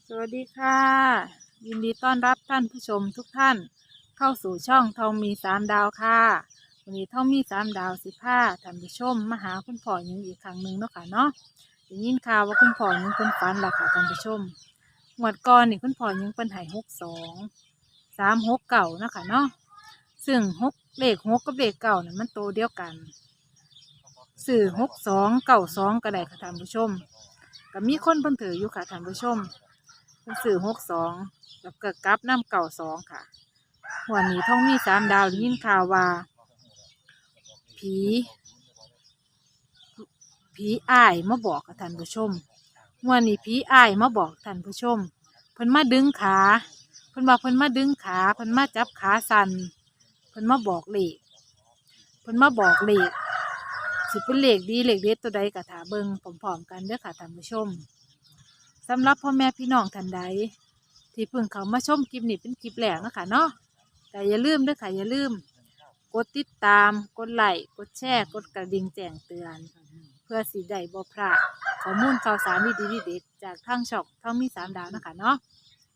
สวัสดีค่ะยินดีต้อนรับท่านผู้ชมทุกท่านเข้าสู่ช่องทองมีสามดาวค่ะวันนี้ทองมีสามดาว15ท่านผู้ชมมาหาคุณพ่อหญิงอีกครั้งหนึ่งเนาะค่ะเนาะได้ยินข่าวว่าคุณพ่อหญิงเป็นฝันหลักค่ะท่านผู้ชมงวดก่อนนี่คุณพ่อหญิงเป็นใหาย62 3 6 9นาะคะเนาะซึ่งเลข 6กับเลขเก้านี่ยมันโตวเดียวกันสื่อ62 92ก็ได้ค่ะท่านผู้ชมก็มีคนเพิ่นถืออยู่ค่ะท่านผู้ชม เป็นสื่อ62แล้วก็กลับน้ำ92ค่ะวันนี้ท่องมีสามดาวได้ยินข่าวว่าผีผีอ้ายมาบอกกับท่านผู้ชมวันนี้ผีอ้ายมาบอกท่านผู้ชมเพิ่นมาดึงขาเพิ่นบอกเพิ่นมาดึงขาเพิ่นมาจับขาสั่นเพิ่นมาบอกเลขเพิ่นมาบอกเลขสิเป็นเลขดีเลขเด็ดตัวใดกะถาเบิ่งพร้อมๆกันเด้อค่ะท่านผู้ชมสำหรับพ่อแม่พี่น้องท่านใด ที่เพิ่งเขามาชมคลิปนี้เป็นคลิปแรกนะคะเนาะแต่อย่าลืมด้วยค่ะอย่าลืมกดติดตามกดไลค์กดแชร์กดกระดิ่งแจ้งเตือนเพื่อสิได้บ่พลาดข้อมูลข่าวสารดีๆเด็ดๆจากทางช่องท่องมีสามดาวนะคะเนาะ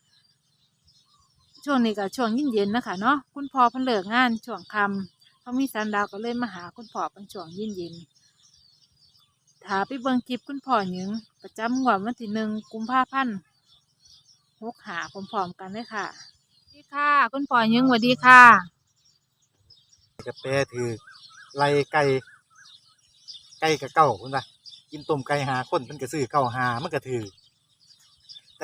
ช่วงนี้ก็ช่วงเย็นๆนะคะเนาะคุณพ่อเพิ่นเลิกงานช่วงค่ำท่องมีสามดาวก็เลยมาหาคุณพ่อเป็นช่วงเย็นๆถ้าไปเบิ่งคลิปคุณพ่อหยังประจำงวดวันที่1 กุมภาพันธ์65พร้อมๆกันเลยค่ะสวัสดีค่ะคุณพ่อหยังสวัสดีค่ะกระแปถือไล่ไก่กับเก้าคุณป่ะกินต้มไก่หาคนมันก็ซื้อเก้าหามันก็ถือแต่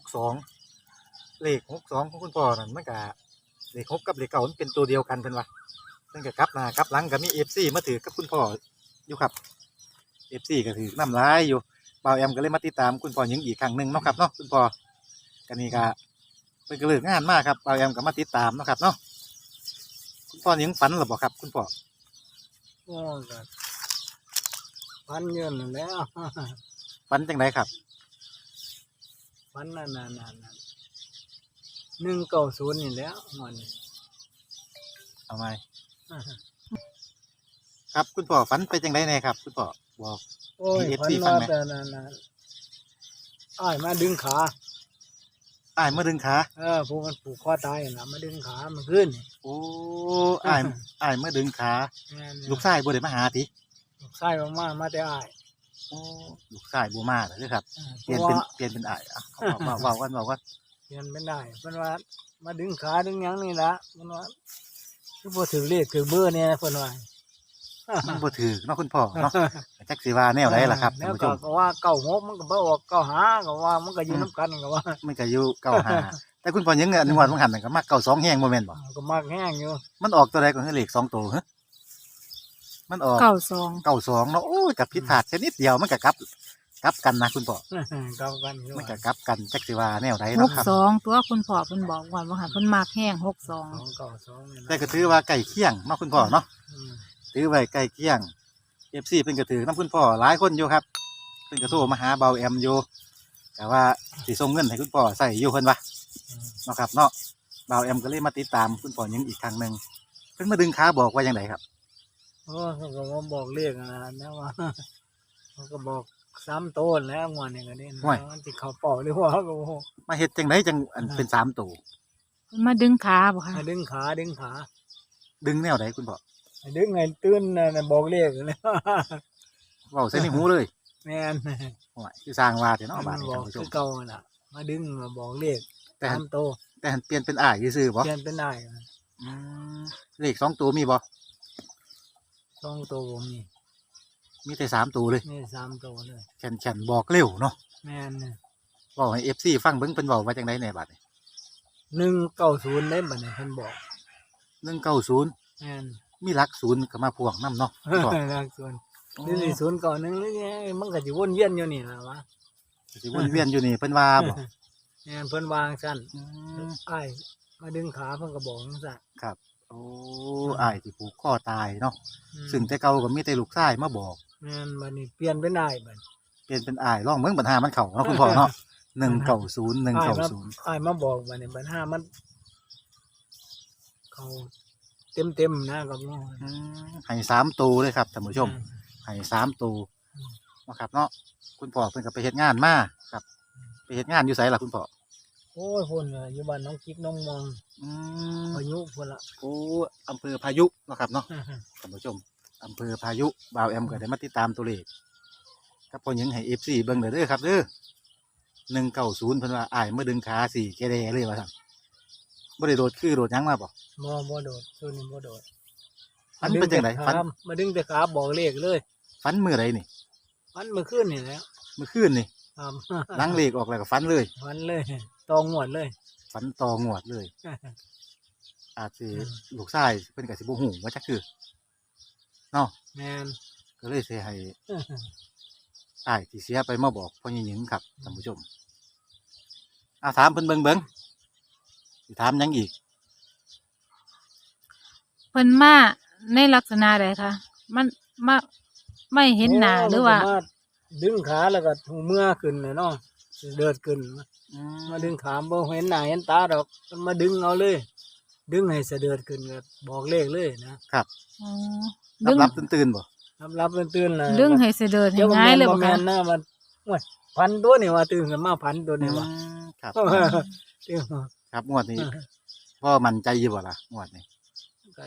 เลข 62ของคุณพ่อนั่นมันก็เลข 6กับเลข 9มันเป็นตัวเดียวกันเพิ่นว่ามันก็กลับหน้ากลับหลังก็มี FC มาถือกับคุณพ่ออยู่ครับ FC ก็ถือน้ำลายอยู่บ่าวแอมก็เลยมาติดตามคุณพ่อหญิงอีกครั้งหนึงเนาะครับเนาะคุณพ่อกันนี่ก็เพิ่นก็เลิกงานมากครับบ่าวแอมก็มาติดตามเนาะครับเนาะคุณพ่อหญิงฝันหรือบ่ครับคุณพ่อโอ้ก็ฟันเยินนั่นแหล้วฝันจังไดครับฟันนั่น190นี่แหล้วมันเอาไหม ครับคุณพ่อฝันไปจังไดแน่ครับคุณพ่อบอกโอ้ยมีฟัน FC ฟัว่างไหมแต่นั่นอ้ายมาดึงขาอ้ายมาดึงขาพวกมันผูกคอตายน่ะมาดึงขามันขึ้นนี่โอ้อ้ายมาดึงขาแม่นลูกชายบ่ได้มาหาติลูกชายมาแต่อ้ายโอ้ลูกชายบ่มาเด้อครับเพเปลี่ยนราะเป็นว่าเปลี่ยนเป็นอ้ายอ่ะเว้ากันเปลี่ยนเป็นได้เพิ่นว่ามาดึงขาดึงหยังนี่ล่ะเพิ่นว่าคือบ่ถือเลขถือเบอร์เนี่ยเพิ่นว่ามันบ่ถือเนาะคุณพ่อเนาะจักสิว่าแนวใดล่ะครับแล้ท่านวผู้ชมก็ว่า96มันก็บ่ออก95ก็ว่ามันก็อยู่นํกันก็ว่ามันก็อยู่95แต่คุณพ่อยังเงินงวดบ่หันน่ะก็มัก92แฮงบ่แม่นบ่ก็มากแห้งอยู่มันออกตัวใดก็คือเลข2ตัวฮะมันออก 92 92เนาะโอ้ยก็ผิดพลาดแค่นิดเดียวมันก็กลับกันนะคุณพ่อกำกันอยู่มันก็กลับกันจักสิว่าแนวใดเนาะครับ 62ตัวคุณพ่อเพิ่นบอกว่าหันเพิ่นมากแห้ง62 292นี่แต่นะก็ถือว่าใกล้เคียงเนาะคุณพ่อเนาะอืมถือไว้ใกล้เคียง FC เพิ่นก็ถือนํคุณพ่อหลายคนอยู่ครับเพิ่นก็โทรมาหาเบาแอมอยู่แต่ว่าสิส่งเงินให้คุณพ่อใส่อยู่เพิ่นว่าเนาะครับเนาะเบาแอมก็เลยมาติดตามคุณพ่อยังอีกครั้งหนึงเพิ่นมาดึงขาบอกว่าจังไดครับโอ้เขาก็มาบอกเลขนะว่าเขาก็บอก3โต้นแล้วงวดนี้ก็นี่นะมันสิเข้าเป่าหรือว่าก็บ่ฮู้มาเฮ็ดจังไดจังอันเป็น3ตัวเพิ่นมาดึงขาบ่ค่ะให้ดึงขาดึงแนวใดคุณพ่อให้ดึงให้ตื่นน่ะบอกเลขเลยเว้าใส่ในหูเลยแม่นโอ้ยคือสร้างว่าแต่เนาะมับาดนนี้บอท่าก นผู้ชคือมเก่าน่ะ มาดึงมาบอกเลขแต่หัน 3โตแต่หันเปลี่ยนเป็นอ้ายซื่อๆบ่เปลี่ยนเป็นได้อืมเลข2ตัวมีบ่ 2โตบ่มีมีแต่3ตัวเลยนี่3โตเลยแข่นบอกเร็วเนาะแม่นเว้าให้ FC ฟังเบิ่งเพิ่นเว้าว่าจังไดแหน่บาดนี้ 190ได้บัดนี้เพิ่นบอก 190 แม่นมีหลักศูนย์ก็มาพ่วงนํเนาะคุณพ่อหลักส่วนนี่นี่ศูนย์เก่านึงนี่มันก็สิวนเวียนอยู่นี่ล่ะวะสิวนเวียนอยู่นี่เพิ่นว่าบ่แม่นเพิ่นวางซั่นอืมอ้ายมาดึงขาเพิ่นก็บอกจังซั่นครับโอ้อ้ายที่ผูกคอตายเนาะอืมซึ่งแต่เก่าก็มีแต่ลูกชายมาบอกแม่นบัดนี้เปลี่ยนเป็นอ้ายบัดเปลี่ยนเป็นอ้ายลองเบิ่งปัญหามันเข้าเนาะคุณพ่อเนาะ190 อ้ายมาบอกบัดนี้บัด5มันเขาเต็มๆนะกับน้อง 190ให้3ตัวเลยครับท่านผู้ชมให้3ตัวเนาะครับเนาะคุณพ่อเพิ่นก็ไปเฮ็ดงานมาครับ ไปเฮ็ดงานอยู่ไสล่ะคุณพ่อโอ้ยพุ่นน่ะอยู่บ้านน้องกิ๊กน้องมองอืมพายุพุ่นละโอ้อำเภอพายุเนาะครับเนาะท่านผู้ชมอำเภอพายุบ่าวแอมก็ได้มาติดตามตัวเลขครับพอหยังให้ FC เบิ่งเด้อครับเด้อ190เพิ่นว่าอ้ายมาดึงขาสี่แกแดเลยว่าซั่นบ่ได้โดดคือโดดหยังมาบ่บ่โดดช่วงนี้บ่โดดฝันเป็นจังได๋ฝันมาดึงแต่ขาบอกเลขเลยฝันมื้อใดนี่ฝันเมื่อคืนนี่แหล้วเมื่อคืนนี่ครับหลังเลขออกแล้วก็ฝันเลยฝันเลยตองหวดเลยฝันต่องวดเลย อาจสิลูกชายเพิ่นก็สิบ่ฮู้ว่าจักคือเนาะแม่นก็เลยสิให้อ้ายที่เสียไปมาบอกพ่อหญิงครับท่านผู้ชมถามเพิ่นเบิ่งสิถามหยังอีกเพิ่นมาในลักษณะใดคะมันมาไม่เห็นหน้าหรือว่าโมันก็มดึงขาแล้วก็หูเมื่อขึ้นเลยเนาะเดินขึ้นมาดึงขาบ่เห็นหน้าเห็นตาดอกมันมาดึงเอาเลย ดึงให้เสด็จขึ้นก็บอกเลขเลยนะครับอ๋อดึงรับตื่นๆบ่รับตื่นๆน่ะดึงให้เสด็จให้เจ้าก็ง่ายเลยบ่บ่แม่คะนนะมันโอ้ยพันตัวนี่ว่าตื่นขึ้นมาพันตัวนี่ว่าครับตื่นมาครับงวดนี้พ่อมั่นใจอยู่บ่ล่ะงวดนี้ก็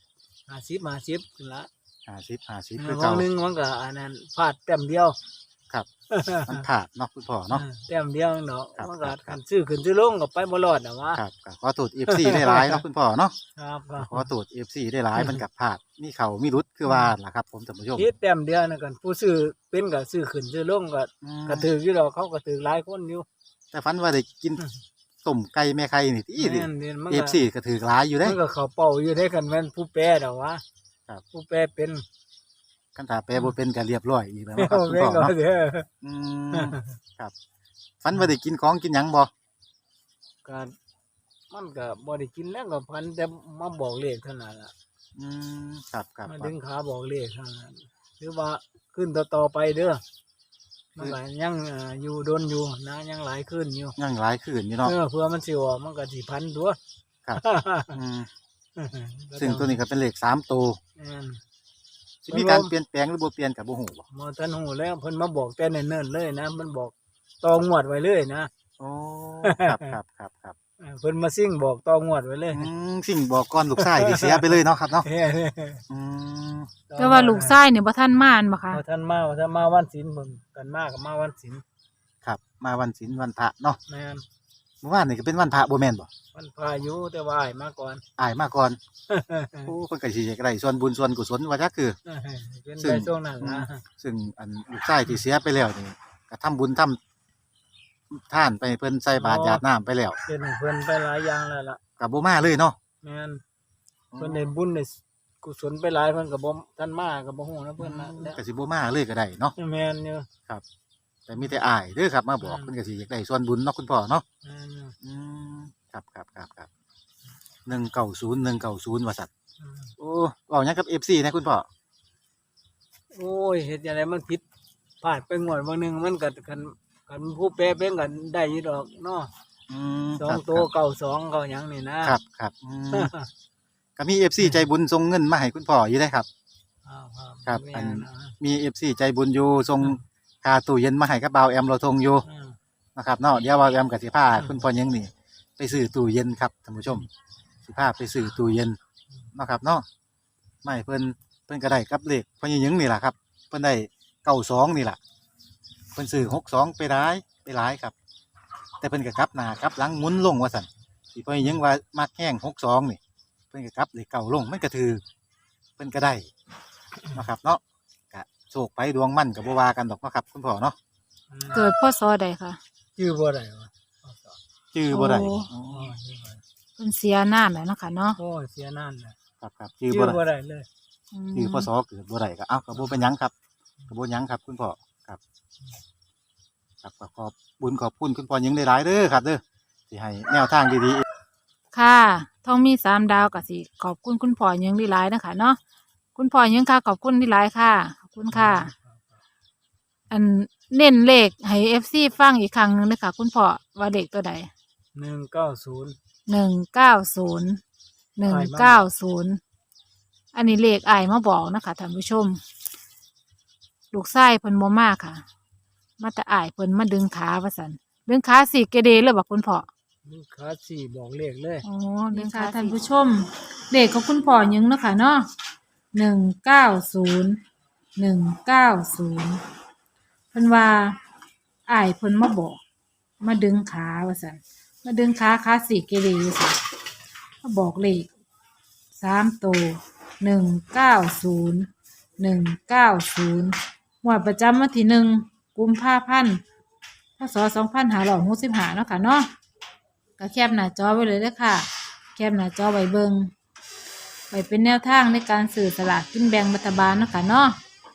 50ขึ้นละ 50คือวัเก่านหนึงมันก็อันนั้นพลาดแต้มเดียวครับมันขาดเนาะคุณพ่อเนาะแต้มเดียวเนาะครับมันก็ครับคันซื้อขึ้นซื้อลงก็ไปบ่รอดน่ะว่าครับก็ขอโทษ FC ได้หลายเนาะคุณพ่อเนาะครับขอโทษ FC ได้หลายมันกับพลาดมีเข้ามีรุดคือว่าล่ะครับ ผมท่านผู้ชมคิดแต้มเดียวนะกันผู้ซื้อเป็นก็ซื้อขึ้นซื้อลงก็อืมก็ถืออยู่ดอกเขาก็ถือหลายคนอยู่แต่ฝันว่าได้กินต้มไก่แม่ไข่นี่ติแม่นมันก็ FC ก็ถือหลายอยู่เด้มันก็เขาเป่าอยู่ได้กันแม่นผู้แปรดอกวะครับผู้แปรเป็นคันถ้าแปลบ่เป็นก็เรียบร้อยอีกแล้วครับคุณแม่พ่อก็เนาะเด้ออืมครับฝันว่าได้กินของกินหยังบ่ก็มันก็บ่ได้กินแล้วก็พันแต่มาบอกเลขเท่านั้นล่ะอืมครับครับมาครัดึบงขาบอกเลขเท่านั้นหรือว่าขึ้นต่อๆไปเด้อมันก็ยังอยู่ดนอยู่นะยังหลายขึ้นอยู่ยังหลายคืนอยู่เนาะเพื่อมันสิออกมันก็สิพันตัวครับ อืมซึ่งตัวนี้ก็เป็นเลข3ตัวแม่นสิมีการเปลี่ยนแปลงหรือบ่เปลี่ยนก็บ่ฮู้บ่หมอทันหูแล้วเพิ่นมาบอกแต่เนิ่นๆเลยนะมันบอกตองวดไว้เลยนะโอ้ครับครับครับครับเพิ่นมาซิ่งบอกตองวดไว้เลยสิ่งบอกก่อนลูกชายที่เสียไปเลยเนาะครับเนาะอืมแต่ว่าลูกชายเนี่ยบ่ทันมาอันบ่คะว่าท่านมาวันศีลเพิ่นกันมากับมาวันศีลครับ มาวันศีลวันพระเนาะแม่นเมื่อวานนี่ก็เป็นวันพระบ่แม่นบ่วันพายุแต่ว่าอ้ายมาก่อนอายมาก่อนโอ้เพิ่นก็สิอยากได้ส่วนบุญส่วนกุศลว่าจักคือเป็นซึ่ไปงช่วงนั้นนะซึ่งอันลูกชายที่เสียไปแล้วนี่ก็ทำบุญทำทานไปให้เพิ่นใส่บาตรหยาดน้ำไปแล้วเป็นให้เพิ่นไปหลายอย่างแล้วล่ะก็บ่มาเลยเนาะแม่นเพิ่นได้บุญได้กุศลไปหลายเพิ่นก็บ่ท่านมาก็บ่ฮู้นะเพิ่นนะแล้วก็สิบ่มาเลยก็ได้เนาะแม่นอยู่แต่มีแต่อายเด้อครับมาบอกเพิ่นก็สิอยากได้ส่วนบุญเนาะคุณพ่อเนาะแม่นอยู่อืมครับ190ว่าซั่นอืมโอ้เว้าหยังกับ FC นะคุณพ่อโอ้ยเฮ็ดจังไดมันผิดพลาดไปงวดบางหนึงมันก็กันผู้แปรเป็นกันได้อยู่ดอกเนาะอืมสองตัวเก่าสองเก่าหยังนี่นะครับครับก็มี FC ใจบุญส่งเงินมาให้คุณพ่ออยู่ได้ครับ ครับอัน มี FC ใจบุญอยู่ส่งค่าตู้เย็นมาให้กับบ่าวแอมเราทงอยู่นะครับเนาะเดี๋ยวบ่าวแอมก็สิพาคุณพ่อยังนี่ไปซื้อตู้เย็นครับท่านผู้ชมสิพาไปซื้อตู้เย็นเนาะครับเนาะไม่เพิ่นก็ได้กับเลขพ่อยังนี่ล่ะครับเพิ่นได้92นี่ล่ะเพิ่นซื้อ62ไปหลายครับ แต่เพิ่นก็กลับหน้ากลับหลังหมุนลงว่าซั่นสิพ่อยังว่ามักแห้ง62นี่เพิ่นก็กลับเลขเก่าลงมันก็ถือเพิ่นก็ได้เนาะครับเนาะก็โชคไปดวงมั่นก็บ่ว่ากันดอกเนาะครับคุณพ่อเนาะเกิดพศใดคะชื่อบ่ได้วะชื่อบ่ได้โอ้อ๋อเพิ่นเสียนานแล้วเนาะค่ะเนาะโอ้ยเสียนั่นแหละครับชื่ชื่ออบ่บ่ได้ได้เลยชื่อพศเกิดบ่ได้ก็เอ้าก็บ่เป็นหยังครับก็บ่หยังครับคุณพ่อครับก็ขอบบุญขอบคุณคุณพ่อยังได้หลายเด้อครับเด้อที่ให้แนวทางดีๆค่ะทองมี3 ดาวก็สิขอบคุณคุณพ่อยังหลายๆนะคะเนาะคุณพ่อยังค่ะขอบคุณหลายๆค่ะขอบคุณค่ะ อันเน้นเลขให้ FC ฟังอีกครั้งหนึงนะคะคุณพ่อว่าเลขตัวใด 190 190 อันนี้เลขอายมาบอกนะคะท่านผู้ชม ลูกชายเพิ่นบ่มาค่ะ มาแต่อายเพิ่นมาดึงขาว่าซั่นดึงขาสี่เกเรเลยบอกคุณพ่อดึงขาสี่บอกเลขเลยอ๋อเดินค่ะท่านผู้ชมเด็กของคุณพ่อยังเนาะค่ะเนาะ190เพิ่นว่าอ้ายเพิ่นมาบอกมาดึงขาว่าซั่นมาดึงขาสี่เกเรว่าซั่นมาบอกเลข3ตัว190งวดประจำวันที่1กุมภาพันธ์พศ2565เนาะค่ะเนาะ ก็แคปหน้าจอไว้เลยเด้อค่ะ แคปหน้าจอไว้เบิงไว้เป็นแนวทางในการสื่อสลากกินแบ่งรัฐบาลเนาะค่ะเนาะ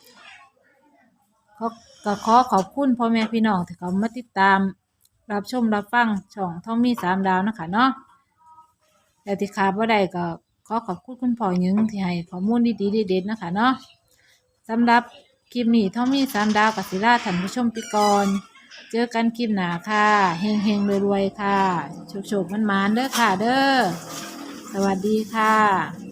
ก็ขอขอบคุณพ่อแม่พี่น้องที่เขามาติดตามรับชมรับฟังช่องท่องมี3 ดาวเนาะค่ะเนาะแต่ที่ขาดบ่ได้ก็ขอขอบคุณคุณพ่อหยิงที่ให้ข้อมูลดีๆเด็ดๆเนาะค่ะเนาะสำหรับคลิปนี้ท่องมี3 ดาวกับศิลาท่านผู้ชมไปก่อนเจอกันคลิปหน้าค่ะเฮงๆรวยๆค่ะโชคๆมันๆเด้อค่ะเด้อสวัสดีค่ะ